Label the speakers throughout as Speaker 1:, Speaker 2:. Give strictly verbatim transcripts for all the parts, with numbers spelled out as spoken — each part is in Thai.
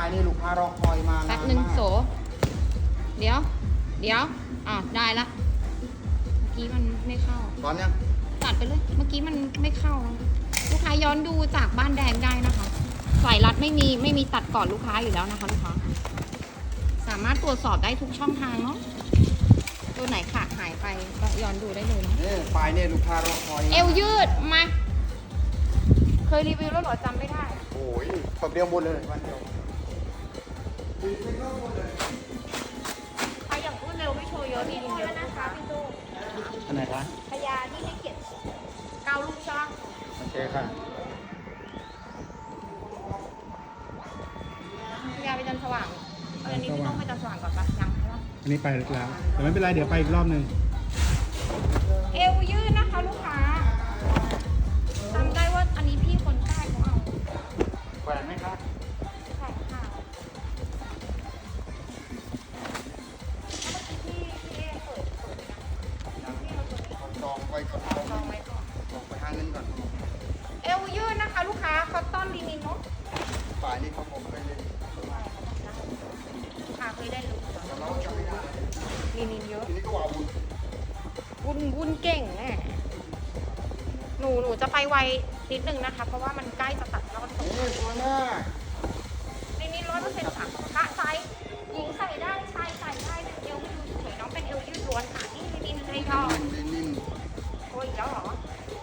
Speaker 1: ายนี่ลูกค้ารอคอยมา
Speaker 2: แป๊บหนึ่งโส เดี๋ยว เดี๋ยวอ่ะได้ละ เมื่อกี้มันไม่เข้า
Speaker 1: ตอนยัง
Speaker 2: ตัดไปเลย เมื่อกี้มันไม่เข้า ลูกค้าย้อนดูจากบ้านแดงได้นะคะ สายรัดไม่มีไม่มีตัดก่อนลูกค้าอยู่แล้วนะคะลูกค้า สามารถตรวจสอบได้ทุกช่องทางเนาะ ตัวไหนขาดหายไปก็ย้อนดูได้เลยเนาะ
Speaker 1: นี่ปลายนี่ลูกค้ารอคอย
Speaker 2: เอวยืดมา เคยรีวิวแล้วเหรอจำไม่ได้
Speaker 1: โอ้ยแบบเดียวหมดเลยวันเดียวตีไม่เข้าหมดเลย
Speaker 2: ใครอย่างพูดเร็วไม่โชว์เยอะดีเยอะนะคะพี่ตู้
Speaker 1: อันไหนคะ
Speaker 2: พยาที่ให้เกียรติเกาลูกช่าง
Speaker 1: โอเคค่ะ
Speaker 2: พยาไปจันทร์สว่างเอออันนี้พี่ต้องไปจันทร์สว่างก่อนปะยังใช่ปะ
Speaker 3: อันนี้ไปแล้วแต่ไม่เป็นไรเดี๋ยวไปอีกรอบหนึ่ง
Speaker 2: เอวยืดนะคะลูกค้าจำได้ว่าอันนี้พี่คนใต้เขาเอา
Speaker 1: แหวนไหมครับ
Speaker 2: ใช่ค่ะพี่พี่เอเปิดเปิดไปนะพี่เราตัวนี้
Speaker 1: จองไว้ก่อน
Speaker 2: จองไว้ก่อน
Speaker 1: จองไปหาเงินก่อน
Speaker 2: เอวยืดนะคะ ลูกค้าคอตตอนลินินเนาะ
Speaker 1: ปลายนี่เขาผมไปเลย
Speaker 2: ลูกค้าเคยได้รู้
Speaker 1: แต่เราจะไม่ได้
Speaker 2: ลินินเยอะ
Speaker 1: ทีนี้ก็ว่าบุญ
Speaker 2: วุ่นวุ่นเก่งแน่หนูหนูจะไปไวนิดนึงนะคะ เพราะว่ามันใกล้จะตัดแล้วก็ตก
Speaker 1: นี่ตัวหน้า
Speaker 2: ลินินร้อยเปอร์เซ็นต์ค่ะพระไซส์หญิงใส่ได้ชายใส่ได้เป็นเอวไม่ดูสวยน้องเป็นเอวยืดล้วนค่ะนี่ลินินเลยก่อน
Speaker 1: เลนิน
Speaker 2: โอ้ยอีกแล้วเหรอ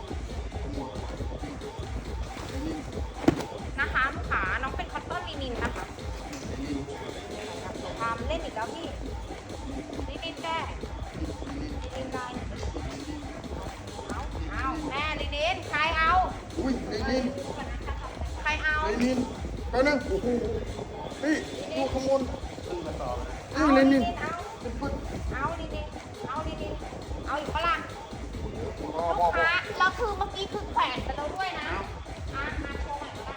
Speaker 1: เลนิน
Speaker 2: นะคะลูกค้าน้องเป็นคอตตอนลินินนะคะ
Speaker 1: เลนิน
Speaker 2: ทำเล่นอีกแล้วพี่ลินินแก้ลินินลายเอาเอาแม่ลินินใครเอา
Speaker 1: อุ้ยเลนิน
Speaker 2: ใครเอา
Speaker 1: เลนินไปนึงโอ้โหนี่ดูขโมย
Speaker 2: เอา
Speaker 1: นี่เล
Speaker 2: ลิ
Speaker 1: นิ
Speaker 2: นิ
Speaker 1: น
Speaker 2: นเอาเอาลินินเอาลินินเอาอีกปะล่ะ
Speaker 1: พอ
Speaker 2: ลู
Speaker 1: พอก พอ
Speaker 2: ค้าแล้วคือเมื่อกี้คือแขวนไปแล้วด้วยนะอ่ะมาโชว์ใหม่ก็ได้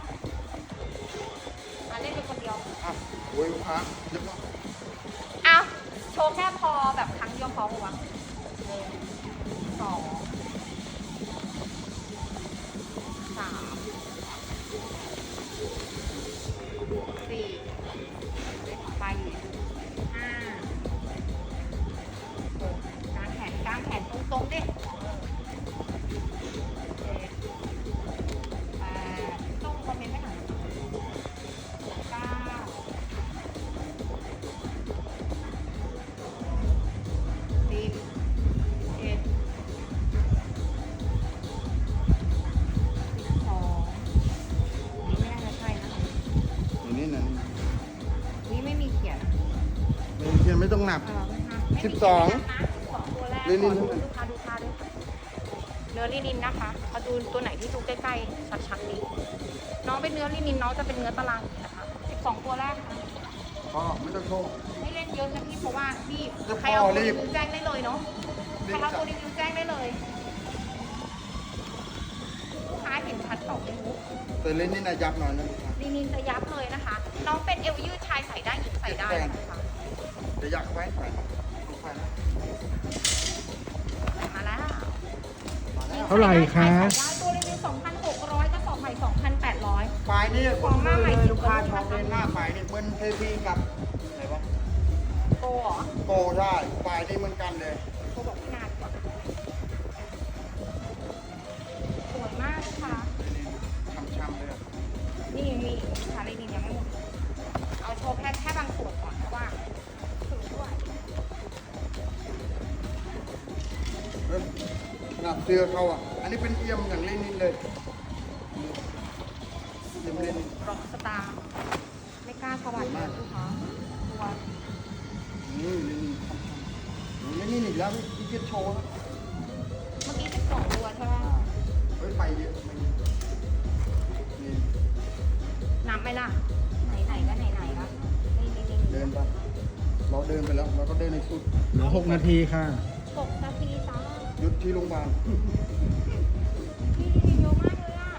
Speaker 2: มาเล่นเป็นคนเดียว
Speaker 1: อ่ะโอ้ยลูกค้าเยอะมาก
Speaker 2: เอาโชว์แค่พอแบบครั้งเดียวพอปะวะหนึ่งสองสามสี่ไปห้าหกกางแขนกางแขนตรงๆดิเจ็ดแปดต้องคอมเมนต์ไม่หน่อยเก้าสิบเอ็ดสิบสองนี่ไม่น่าจะใช่นะ
Speaker 1: เลนินนะ
Speaker 2: นี่ไม่มีเขียน
Speaker 1: เลนินไม่ต้องหนับ
Speaker 2: เออไม่ค่ะไม่มี
Speaker 1: สิบสอง
Speaker 2: เขียนนะสิบสองตัวแรก
Speaker 1: ลินิน
Speaker 2: ขอดูลูกค้าดูค่าด้วยค่ะเนื้อลินินนะคะมาดูตัวไหนที่ดูใกล้ๆชัดๆดีน้องเป็นเนื้อลินินน้องจะเป็นเนื้อตารางนะคะสิบสองตัวแรกค่ะ
Speaker 1: พอไม่ต้องโชว์
Speaker 2: ไม่เล่นเยอะนะพี่เพราะว่าพี่
Speaker 1: จะ
Speaker 2: ใครเอา
Speaker 1: พอ
Speaker 2: ตัว
Speaker 1: รี
Speaker 2: รี
Speaker 1: บ
Speaker 2: วิวแจ้งได้เลยเนาะใครเอาตัวรีวิวแจ้งได้เลยลูกค้าเห็นชัดต่อไม่รู้
Speaker 1: แต่เลนินนะยับหน่อยนะ
Speaker 2: ลินินจะยับเลยนะคะ น้องเป็นเอวยืดชายใส่ได้หญิงใส่ได้นะคะ
Speaker 1: จะยักไว้ไปลูกค้านะ
Speaker 2: มาแล้ว
Speaker 1: มาแล้ว
Speaker 3: เท่าไหร่คะ
Speaker 2: ใส่ได้ตัวรีวิวสองพันหกร้อยกระสอบใหม่สองพันแปดร้อย
Speaker 1: ปลายนี่
Speaker 2: ของมาใหม่
Speaker 1: ลูกค้าชอบเล่นหน้าปลายนี่เหมือนเทพีกับไหนวะ
Speaker 2: โตเหรอ
Speaker 1: โตได้ปลายนี่เหมือนกันเลย
Speaker 2: โตบอกพี่นานกว่าสวยมากค่ะ
Speaker 1: เลนินช้ำๆเลยอะ
Speaker 2: นี่ยังมีอีกค่ะลินินยังไม่หมดเอาโชว์แค่แค่บางส่วนก่อนเพราะว่าถือด้วย
Speaker 1: เอ้ยขนาดเสื้อเขาอ่ะ อันนี้เป็นเอี่ยมอย่างเลนินเลยเอี่ยมเลนิน
Speaker 2: ร็อกสตาร์ไม่กล้าสวัสดีลูกค้าตัว
Speaker 1: นี่เลนินช้ำๆเลนินอีกแล้วพี่เกียรโชว์นะ
Speaker 2: เมื่อกี้สิบสองตัวใช่ไหม
Speaker 1: เฮ้ยไปเยอะไปเยอะนี่
Speaker 2: นับไหมล่ะ ไหนๆก็ไหนๆละนี่นี่นี่
Speaker 1: เดินไปเราเดินไปแล้วเราก็เดินในสุด
Speaker 3: เหลือหกนาทีค่ะ
Speaker 2: หกนาทีจ้า
Speaker 1: หยุดที่โรงพยาบาล
Speaker 2: พี่รีวิวเยอะมากเลยอ่ะ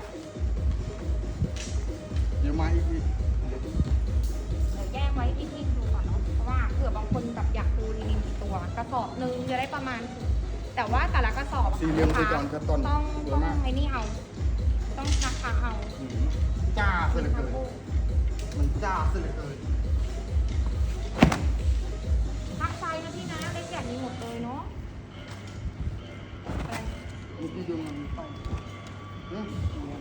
Speaker 1: เดี๋ยวมาอีกที
Speaker 2: เดี๋ยวแยกไว้ที่พี่ดูก่อนเนาะ เพราะว่าเผื่อบางคนแบบอยากดูลินินกี่ตัว กระสอบหนึ่งจะได้ประมาณ แต่ว่าแต่ละกระสอบอะ
Speaker 1: สี่เหลี่ยมคือก่อนกระต้น
Speaker 2: ต้อง
Speaker 1: เย
Speaker 2: ต้อ
Speaker 1: อะ
Speaker 2: ง
Speaker 1: มาก
Speaker 2: ไอ้นี่เอา ต้องชักขาเอา
Speaker 1: จ้าเสือเกินมันจ้าสุดเลย
Speaker 2: ทักไซส์นะพี่นะเล็กใหญ่มีหมดเลยเนาะไป
Speaker 1: มีที่ดูมันมีไฟอืม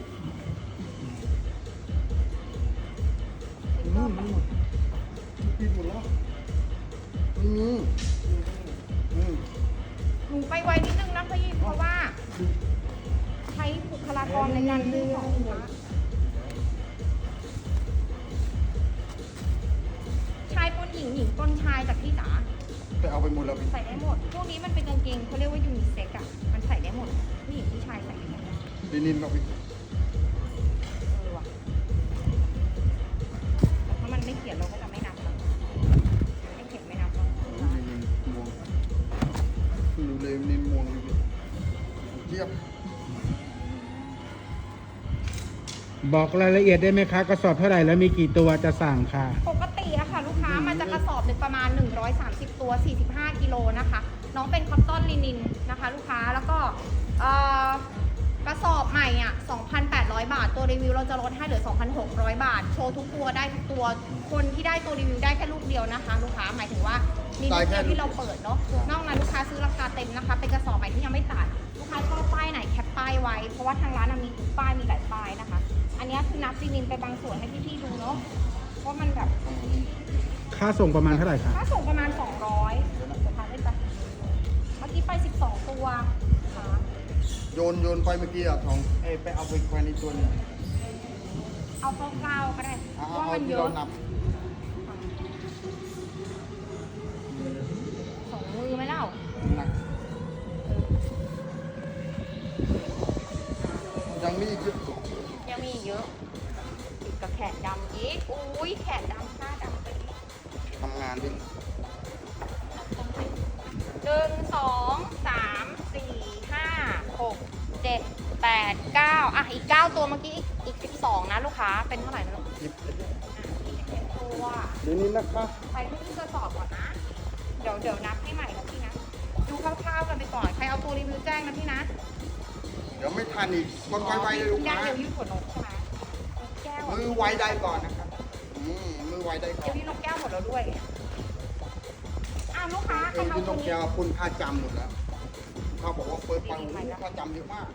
Speaker 3: นู่นมันหมด
Speaker 1: ปิดหมดแล้วมันมีอืม
Speaker 2: หนูไปไวนิดนึงนะพี่เพราะว่า ใช้บุคลากรในการซื้อของลูกค้าชายปนหญิงหญิงปนชายจากพี่จ๋า
Speaker 1: ไปเอาไปหมดแล้วพี่
Speaker 2: ใส่ได้หมด พวกนี้มันเป็นกางเกงเขาเรียกว่ายูนิเซ็กอะมันใส่ได้หมดผู้หญิงผู้ชายใส่ได้หมด
Speaker 1: ลินินเราพี่
Speaker 2: เออว่ะแต่ถ้ามันไม่เขียนเราก็จะไม่นับนะไม่เขียนไม่นับหรอก
Speaker 1: ลินินม่วงเพิ่งรู้เลยลินินม่วงพี่เทียบ
Speaker 3: บอกรายละเอียดได้ไหมคะกระสอบเท่าไหร่แล้วมีกี่ตัวจะสั่งค่ะ
Speaker 2: ปกติอะค่ะ ลูกค้ามันจะกระสอบหนึ่งประมาณหนึ่งร้อยสามสิบตัวสี่สิบห้ากิโลนะคะ น้องเป็นคอตตอนลินินนะคะ ลูกค้าแล้วก็เอ่อกระสอบใหม่อ่ะ สองพันแปดร้อย บาท ตัวรีวิวเราจะลดให้เหลือ สองพันหกร้อย บาท โชว์ทุกตัวได้ทุกตัว คนที่ได้ตัวรีวิวได้แค่ลูกเดียวนะคะ ลูกค้า หมายถึงว่ามีลูกเดียวที่เราเปิดเนาะ นอกนั้นลูกค้าซื้อราคาเต็มนะคะ เป็นกระสอบใหม่ที่ยังไม่ตัด ลูกค้าชอบป้ายไหนแคปป้ายไว้ เพราะว่าทางร้านอะมีทุกป้าย มีหลายป้ายนะคะ อันนี้คือนับซีนินไปบางส่วนให้พี่ๆดูเนาะว่ามันแบบ
Speaker 3: ค่าส่งประมาณเท่าไหร่คะ
Speaker 2: ค่าส่งประมาณ สองร้อยเดี๋ยวทานได้ปะเมื่อกี้ไป สิบสอง ตัวค่ะ
Speaker 1: โยนโยนไปเมื่อกี้อะทองเอ้ยไปเอาไปแขวนอีกตัวหนึง
Speaker 2: เอาคร่าวๆก็ได้
Speaker 1: เอา
Speaker 2: เพราะว่า
Speaker 1: เอา
Speaker 2: มัน
Speaker 1: ที่
Speaker 2: เย
Speaker 1: เรา
Speaker 2: อะ
Speaker 1: นับ
Speaker 2: สองมือไหมเล่า
Speaker 1: หนักยังมีอีกเยอะ
Speaker 2: ยังมีอีกเยอะติดกับแขนดำอีกอุ้ยแขนดำหน้าดำไปอีก
Speaker 1: ทำงานดิ
Speaker 2: หนึ่งสองสามสี่ห้าหกเจ็ดแปดเก้าอ่ะอีกเก้าตัวเมื่อกี้อีกอีกสิบสองนะลูกค้าเป็นเท่าไหร่นะลูก
Speaker 1: หยิบ
Speaker 2: อ่ะอีกสิบตัว
Speaker 1: เดี๋ยวนี้นะคะ
Speaker 2: ไปที่กระสอบก่อนนะ เดี๋ยวเดี๋ยวนับให้ใหม่นะพี่นะ ดูคร่าวๆกันไปก่อน ใครเอาตัวรีวิวแจ้งนะพี่นะ
Speaker 1: เดี๋ยวไม่ทันอีกคนไวๆเลยลูก
Speaker 2: ยั
Speaker 1: ค้า
Speaker 2: เดี๋ยวยืดหัวนกใช่ไหมนกแก้ว
Speaker 1: มือไวได้ก่อนนะครับอืมมือไวได้ก่อ
Speaker 2: เดี๋ย
Speaker 1: น
Speaker 2: วพี่นกแก้วหมดแล้วด้วยอ้าวลูกค้าใคร
Speaker 1: เอ็น
Speaker 2: เอา
Speaker 1: ที่
Speaker 2: ตั
Speaker 1: ต้
Speaker 2: ว
Speaker 1: อง
Speaker 2: นี้
Speaker 1: แกวคุณค่าจำหมดแล้วเขาบอกว่าเปิดปังค่าจำเยอะมาก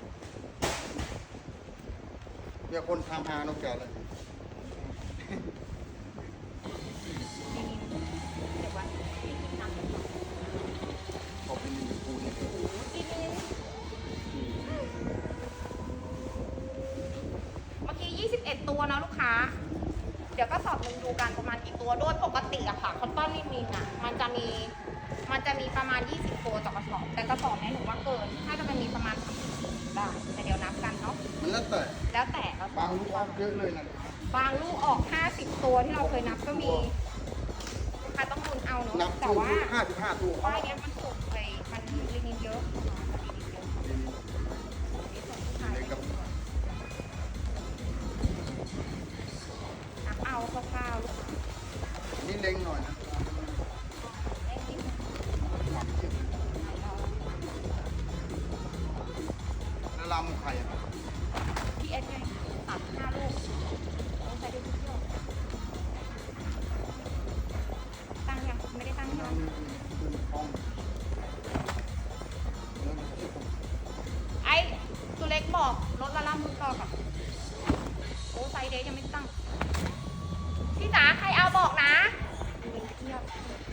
Speaker 1: เนี่ยคนทำหานกแก้วเลย
Speaker 2: เดี๋ยววันนี้ทำ
Speaker 1: ขอบเป็นลิปูนี่
Speaker 2: กินเมื่อกี้ยี่สิบเอ็ดตัวนะลูกค้า เดี๋ยวก็สอบหนึ่งดูกันประมาณกี่ตัวโดยปกติอะค่ะคอตตอนลินินอะมันจะมีมันจะมีประมาณยี่สิบตัวต่อกระสอบแต่กระสอบนี้หนูว่าเกินถ้าจะมันมีประมาณสามสิบได้แต่เดี๋ยวนับกันเนาะ
Speaker 1: มันแล้วแต่
Speaker 2: แล้วแต่กระสอบบ
Speaker 1: างลูกออกเยอะเลยนะ
Speaker 2: บางลูกออกห้าสิบตัวที่เราเคยนับก็มีลูกค้าต้องลุ้นเอาเนาะ
Speaker 1: นับ
Speaker 2: แต่
Speaker 1: ตัว
Speaker 2: ว่า
Speaker 1: ห้าสิบห้าตัว
Speaker 2: ป้ายเนี้ยมันสุกไปมันลินินเยอะมันลินินเยอะนี่ส่งผู้ชาย
Speaker 1: เลยกับ
Speaker 2: นับเอาคร่าวๆลูกค้า
Speaker 1: นี่เล็งหน่อยนะ
Speaker 2: ได้ที่
Speaker 1: ความเยอะแล้วลำไข่อะ
Speaker 2: พีเอสไงสามห้าลูกต้องใช้ได้ทุกเที่ยวตั้งยังไม่ได้ตั้งใช่ไหม
Speaker 1: น้ำขึ้นห้องเริ่มจะผม
Speaker 2: ไอ้ตัวเล็กบอกรถละล่ำมือต่อกับโอ้ไซเดย์ยังไม่ตั้งพี่จ๋าใครเอาบอกนะมีเทียบ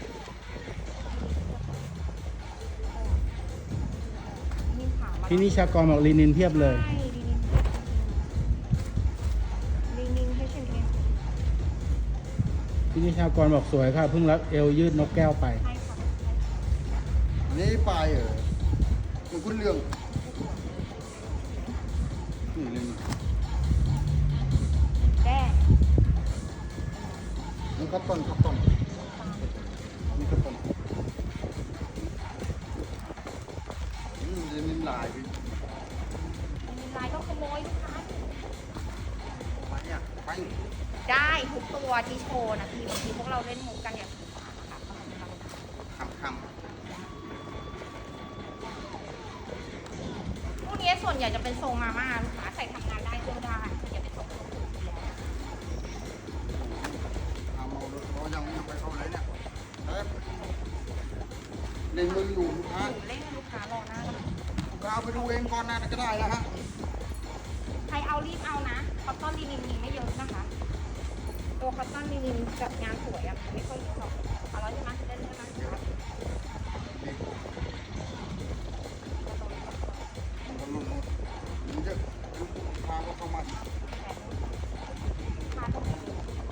Speaker 3: พี่นิชากรบอกลีนินเพียบเลย
Speaker 2: ใช่ลินินลินินให้เชนเอง
Speaker 3: พี่นิชากรบอกสวยค่ะเพิ่งรับเอวยืดนกแก้วไป
Speaker 2: ใช่ค่ะ
Speaker 1: นี่ปลายเหรอมันคุ้นเรื่องนี่เลย
Speaker 2: แดง
Speaker 1: มันคับต้นคับต้นนี่คับต้นอืมเดี๋ยวนี้ลายพี่
Speaker 2: ลินินลายก็ขโมยลูกค้า
Speaker 1: ไปเนี่ยไป
Speaker 2: ได้ทุกตัวที่โชว์นะพี่บางทีพวกเราเล่นมุกกันอย่างนี้นะคะ
Speaker 1: คำค
Speaker 2: พวกนี้ส่วนใหญ่จะเป็นทรงมาม่าลูกค้าใส่ทำงานได้เที่ยวได้อย่าเป็นทรง
Speaker 1: ำเล่นมืออยู่ลูกค้า
Speaker 2: หนูเล่นให้ลูกค้ารอหน้าแล้ว
Speaker 1: ลูกค้าเอาไปดูเองก่อนนะก็ได้นะฮะ
Speaker 2: ใครเอารีบเอานะคอตตอนลินินมีไม่เยอะนะคะ ตัวคอตตอนลินินกับงานสวยอะไม่ค่อยเยอะหรอกเอาแล้วใช่ไหมเล่นใช่ไหม
Speaker 1: มันหลุดหมดมันจะลูกค้าก็เข้ามา
Speaker 2: พาตัวเอง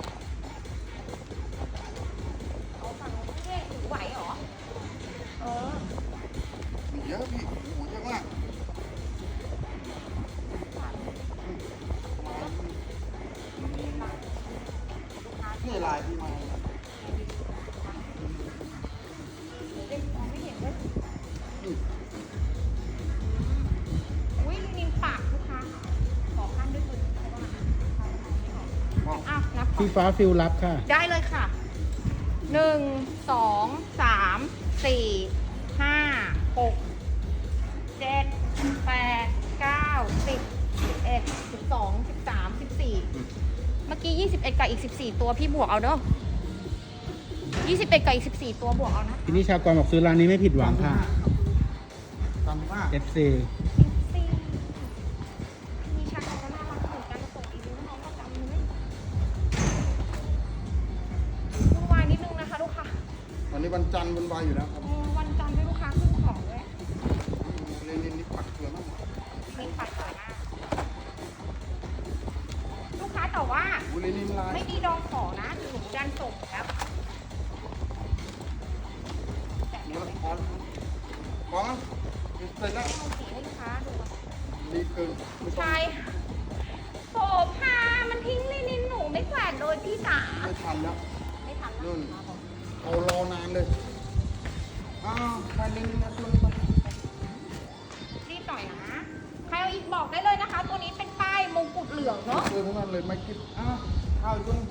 Speaker 2: เอาฝั่งนู้นเท่ถือไหวเหรอ เออ
Speaker 1: มีเยอะพี่โอ้โหเยอะมากนี่ลายพี่มา
Speaker 2: เด็กมองไม่เห็นเลย
Speaker 1: อืม
Speaker 2: อุ้ยลินินปากลูกค้าขอขั้นด้วยมือเพราะว่า
Speaker 1: มอง
Speaker 2: อ้าวนับก่อน
Speaker 3: พี่ฟ้าฟิลรับค่ะ
Speaker 2: ได้เลยค่ะ หนึ่ง สอง สาม สี่ ห้า หก เจ็ด แปด เก้า สิบ สิบเอ็ด สิบสอง สิบสาม สิบสี่ เมื่อกี้ยี่สิบเอ็ดกับอีกสิบสี่ตัวพี่บวกเอาเด้อยี่สิบเอ็ดกับอีกสิบสี่ตัวบวกเอานะ
Speaker 3: ทีนี้ชาวกรบอกซื้อร้านนี้ไม่ผิดหวังค่ะ
Speaker 1: สามสิบห้า
Speaker 3: เอฟ ซี
Speaker 2: สี่มีชาไทยก็น่ารักเหมือนกันส่งอีกนิดน้องประจำเลยวุ่นวายนิดนึงนะคะลูกค้า
Speaker 1: วันนี้วันจันทร์วันวายอยู่แล้วครับ
Speaker 2: เออวันจันทร์ด้วยลูกค้าขึ้นของด้วย
Speaker 1: เล่นนี่ปักเกลือมาก
Speaker 2: มีปัดสวยมากลูกค้าแต่ว่า
Speaker 1: บุรีนินลาย
Speaker 2: ไม่มีดองขอนะหนูดันส่งแล้วแต่
Speaker 1: เนื้
Speaker 2: เดี๋ยว
Speaker 1: อ
Speaker 2: ไม่
Speaker 1: คอนพอมั้งเสร็จแล้ว
Speaker 2: เอาสีให้ลูกค้าดู
Speaker 1: ดีเกินไม่ต้อง
Speaker 2: ใช่โสภามันทิ้งลินินหนูไม่แขวนโดยพี่จ๋า
Speaker 1: ไม่ทันแล้ว
Speaker 2: ไม่ทันแล้ว
Speaker 1: นู่น เอารอนานเลย อ้าวใครเล่นนะตัวนี้มา
Speaker 2: รีบหน่อยนะ ใครเอาอีกบอกได้เลยนะคะ ตัวนี้เป็นป้ายมงกุฎเหลืองเนาะ
Speaker 1: เจอพวกนั้นเลยไม่กิบอ้าวข้าวอีกตัวนึง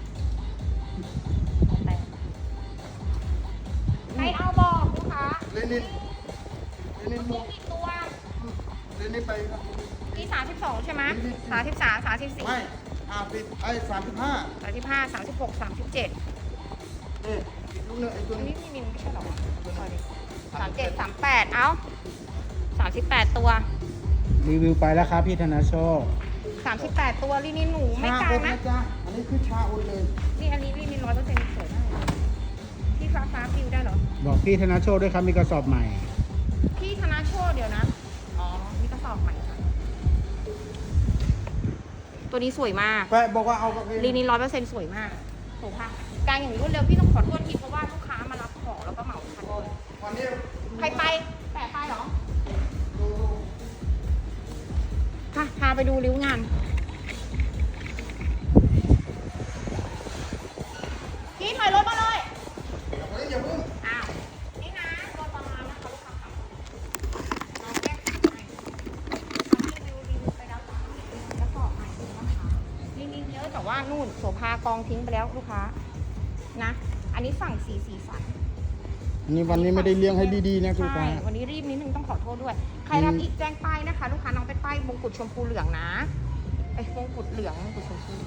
Speaker 2: ใครเอาบอกลูกค้า
Speaker 1: เล่นนินเล่นนินหม
Speaker 2: มี
Speaker 1: ด
Speaker 2: กี่ตัว
Speaker 1: เล่นนินไปครับ
Speaker 2: มีสามสิบสองใช่ไหมสามสิบสามสามสิบสี่
Speaker 1: ไม่ห้าสิบไอ้สามสิบห้า
Speaker 2: สามสิบห้าสามสิบหกสามสิบเจ็ด
Speaker 1: เอ๊ะอีกลูกหนึงไอ้ตัว
Speaker 2: อัน
Speaker 1: นี้
Speaker 2: นี้มีมินไม่ใช่หรอสามเจ็ดสามแปดเอ้าสามสิบแปดตัว
Speaker 3: รีวิวไปแล้วครับพี่ธนาโชค
Speaker 2: สามสิบแปดตัวลินินหนูไม่
Speaker 1: ชาก
Speaker 2: ลา
Speaker 1: อง ด
Speaker 2: นะ
Speaker 1: นะจ๊ะอันนี้คือชาอุดเลย
Speaker 2: นี่อันนี้ลินินร้อยเปอร์เซ็นต์สวยมากเลยพี่ฟ้าฟ้าฟิวได้เหรอ
Speaker 3: บอกพี่ธนาโชคด้วยครับมีกระสอบใหม่
Speaker 2: พี่ธนาโชคเดี๋ยวนะ อ๋อมีกระสอบใหม่ค่ะตัวนี้สวยมาก
Speaker 1: แปะบอกว่าเอากับเอง
Speaker 2: ลีนินร้อยเปอร์เซ็นต์สวยมากโถค่ะการอย่างรวดเร็วพี่ต้องขอโทษทีเพราะว่าลูกค้ามารับของแล้วก็เหมาทัน
Speaker 1: วันนี้
Speaker 2: ใครไปแปะไปเหรอ ค่ะ พาไปดูริ้วงาน พี่ถอยรถมาเลย
Speaker 1: เฮ้ยอย่าเพิ่ง
Speaker 2: อ้าว นี่นะรถประมาณนะคะลูกค้าค่ะน้องแก้ไขให้ทำรีวิวรีวิวไปแล้วค่ะแล้วก็ใหม่ดูนะคะลินินเยอะแต่ว่านู่นโสภากองทิ้งไปแล้วลูกค้า นะ อันนี้ฝั่งสีสีสัน
Speaker 1: อันนี้วันนี้ไม่ได้เลี้ยงให้ดีๆนะคุณ
Speaker 2: ใช่
Speaker 1: ป้า
Speaker 2: วันนี้รีบนิดนึงต้องขอโทษด้วย ใครรับอีกแจ้งป้ายนะคะ ลูกค้าน้องเป็นป้ายมงกุฎชมพูเหลืองนะไอ้ยมงกุฎเหลืองมงกุฎชมพู